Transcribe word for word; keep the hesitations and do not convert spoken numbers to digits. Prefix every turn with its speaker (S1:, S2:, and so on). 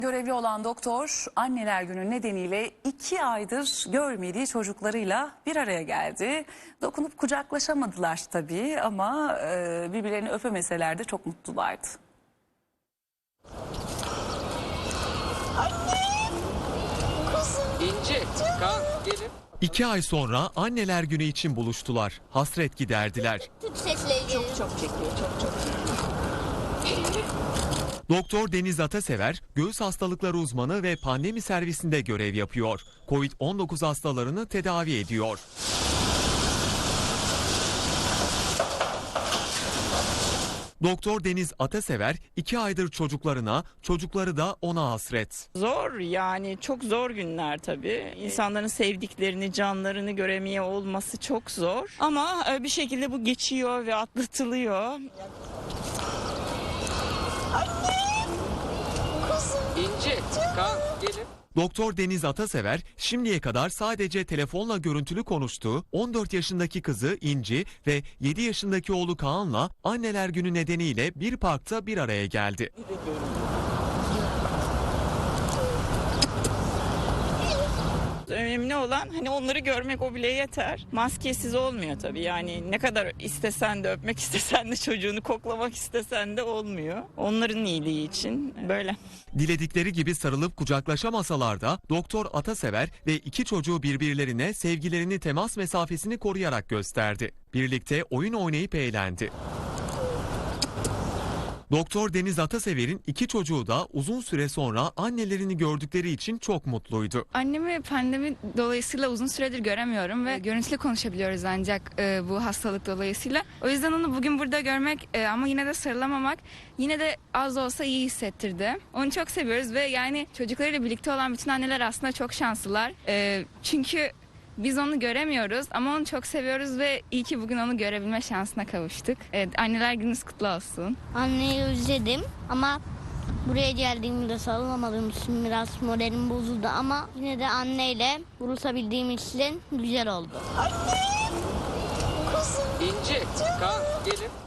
S1: Görevli olan doktor anneler günü nedeniyle iki aydır görmediği çocuklarıyla bir araya geldi. Dokunup kucaklaşamadılar tabii ama e, birbirlerini öpemeseler de çok mutlulardı.
S2: Annem, kuzum.
S3: İnci, kalk gelin.
S4: İki ay sonra anneler günü için buluştular. Hasret giderdiler.
S2: Tut sesle
S5: Çok çok çekiyor, çok çok çekiyor.
S4: Doktor Deniz Atasever, göğüs hastalıkları uzmanı ve pandemi servisinde görev yapıyor. kovid on dokuz hastalarını tedavi ediyor. Doktor Deniz Atasever iki aydır çocuklarına, çocukları da ona hasret.
S5: Zor yani, çok zor günler tabii. İnsanların sevdiklerini, canlarını göremeye olması çok zor. Ama bir şekilde bu geçiyor ve atlatılıyor.
S2: Annem, kuzum.
S3: İnci, kalk gelin.
S4: Doktor Deniz Atasever şimdiye kadar sadece telefonla görüntülü konuştuğu on dört yaşındaki kızı İnci ve yedi yaşındaki oğlu Kaan'la anneler günü nedeniyle bir parkta bir araya geldi.
S5: Önemli olan hani onları görmek, o bile yeter. Maskesiz olmuyor tabii, yani ne kadar istesen de, öpmek istesen de, çocuğunu koklamak istesen de olmuyor. Onların iyiliği için böyle.
S4: Diledikleri gibi sarılıp kucaklaşamasalar da Doktor Atasever ve iki çocuğu birbirlerine sevgilerini temas mesafesini koruyarak gösterdi. Birlikte oyun oynayıp eğlendi. Doktor Deniz Atasever'in iki çocuğu da uzun süre sonra annelerini gördükleri için çok mutluydu.
S6: Annemi pandemi dolayısıyla uzun süredir göremiyorum ve görüntülü konuşabiliyoruz ancak e, bu hastalık dolayısıyla. O yüzden onu bugün burada görmek e, ama yine de sarılamamak yine de az da olsa iyi hissettirdi. Onu çok seviyoruz ve yani çocuklarıyla birlikte olan bütün anneler aslında çok şanslılar. E, çünkü biz onu göremiyoruz ama onu çok seviyoruz ve iyi ki bugün onu görebilme şansına kavuştuk. Evet, anneler gününüz kutlu olsun.
S2: Anneyi özledim ama buraya geldiğimde sarılamadığım için biraz moralim bozuldu ama yine de anneyle buluşabildiğim için güzel oldu. Annem, kuzum.
S3: İnci, kalk gelin.